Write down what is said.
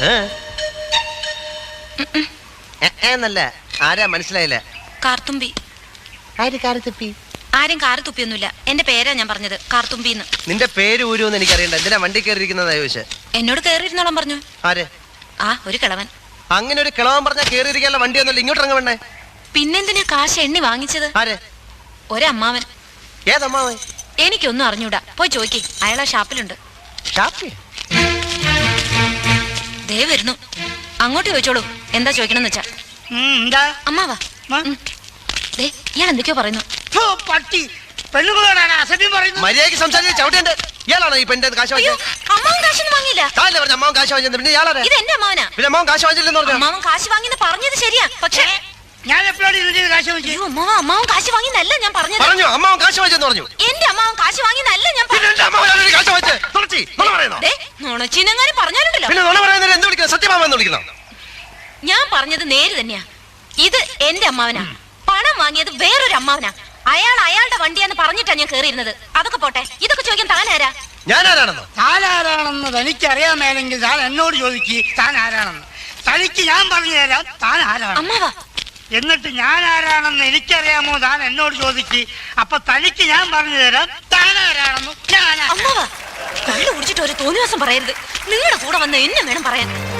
എന്നല്ല, ആരാ മനസ്സിലായില്ല? കാർത്തുമ്പി. ആര് കാർത്തുപ്പി? ആരും കാറ് തുപ്പിയൊന്നുമില്ല. എന്റെ പേരാ ഞാൻ പറഞ്ഞത്, കാർത്തുമ്പിന്ന്. നിന്റെ പേര് ഊരുമെന്ന് എനിക്കറിയണ്ട. എന്തിനാ വണ്ടി കയറിയിരിക്കുന്നതാ ചോദിച്ചേ? എന്നോട് കേറിയിരുന്നോളം പറഞ്ഞു. ആര്? ആ, ഒരു കിളവൻ. അങ്ങനെ ഒരു കിളവൻ പറഞ്ഞാൽ കേറിയിരിക്കാനുള്ള വണ്ടിയൊന്നുമില്ല. ഇങ്ങോട്ട് ഇറങ്ങ. പിന്നെന്തിനാ കാശ് എണ്ണി വാങ്ങിച്ചത്? ആര്? ഒരമ്മാവൻ. ഏതമ്മാവൻ? എനിക്കൊന്നും അറിഞ്ഞൂടാ, പോയി ചോദിക്കേ. അയാളാ ഷാപ്പിലുണ്ട്. ദേ വരുന്നു, അങ്ങോട്ട് ചോദിച്ചോളൂ. എന്താ ചോദിക്കണമെന്ന് വെച്ചാ. അമ്മാവാ, ഇയാൾ എന്തൊക്കെയോ പറയുന്നു. മര്യാദയ്ക്ക് സംസാരിച്ച് ചവിട്ടേണ്ട. ഇയാളാണോ ഈ പെണ്ണിന്റെ കാശ് വാങ്ങിയത്? അമ്മാവൻ കാശൊന്നും വാങ്ങിയില്ല. അമ്മാവൻ കാശ് വാങ്ങിയത് പിന്നെ ഇയാളാ? ഇത് എന്റെ അമ്മാവനാ. പിന്നെ അമ്മാവൻ കാശ് വാങ്ങിച്ചില്ലെന്ന് പറഞ്ഞു. അമ്മാവൻ കാശ് വാങ്ങിന്ന് പറഞ്ഞത് ശരിയാ, പക്ഷേ ഞാൻ എപ്പോഴാണ് ഇതിന്റെ കാശ് വാങ്ങിച്ചത്? അമ്മാവൻ കാശ് വാങ്ങിന്നല്ല ഞാൻ പറഞ്ഞത്. പറഞ്ഞു അമ്മാവൻ കാശ് വാങ്ങിച്ചെന്ന് പറഞ്ഞു. എന്റെ അമ്മാവൻ കാശ് വാങ്ങിന്നല്ല ഞാൻ പറഞ്ഞത്. നുണച്ചിനെങ്ങാനും പറഞ്ഞാലുണ്ടല്ലോ. പിന്നെ നുണ പറയുന്നവരെ എന്ത് വിളിക്കണം? സത്യമാമെന്ന് വിളിക്കണം. ഞാൻ പറഞ്ഞത് നേര് തന്നെയാ. ഇത് എന്റെ അമ്മാവനാ. പണം വാങ്ങിയത് വേറൊരു അമ്മാവനാ. അയാൾ അയാളുടെ വണ്ടിയാന്ന് പറഞ്ഞിട്ടാ ഞാൻ കേറിയിരുന്നത്. അതൊക്കെ പോട്ടെ, ഇതൊക്കെ ചോദിക്കാൻ താനാരാ? ഞാനാരാണെന്നോ? താനാരാണെന്ന് തനിക്കറിയാമേലെങ്കിൽ താൻ എന്നോട് ചോദിക്ക് താൻ ആരാണെന്ന്. തനിക്ക് ഞാൻ പറഞ്ഞു തരാം താൻ ആരാണ്. അമ്മാവാ, എന്നിട്ട് ഞാൻ ആരാണെന്ന് എനിക്കറിയാമോ താൻ എന്നോട് ചോദിക്ക്. അപ്പൊ തനിക്ക് ഞാൻ പറഞ്ഞു തരാം താൻ ആരാണെന്ന്. അമ്മാവാ, കള്ളു കുടിച്ചിട്ട് ഒരു തോന്നിവാസം പറയരുത്. നിങ്ങളുടെ കൂടെ വന്ന് എന്നെ വേണം പറയാൻ.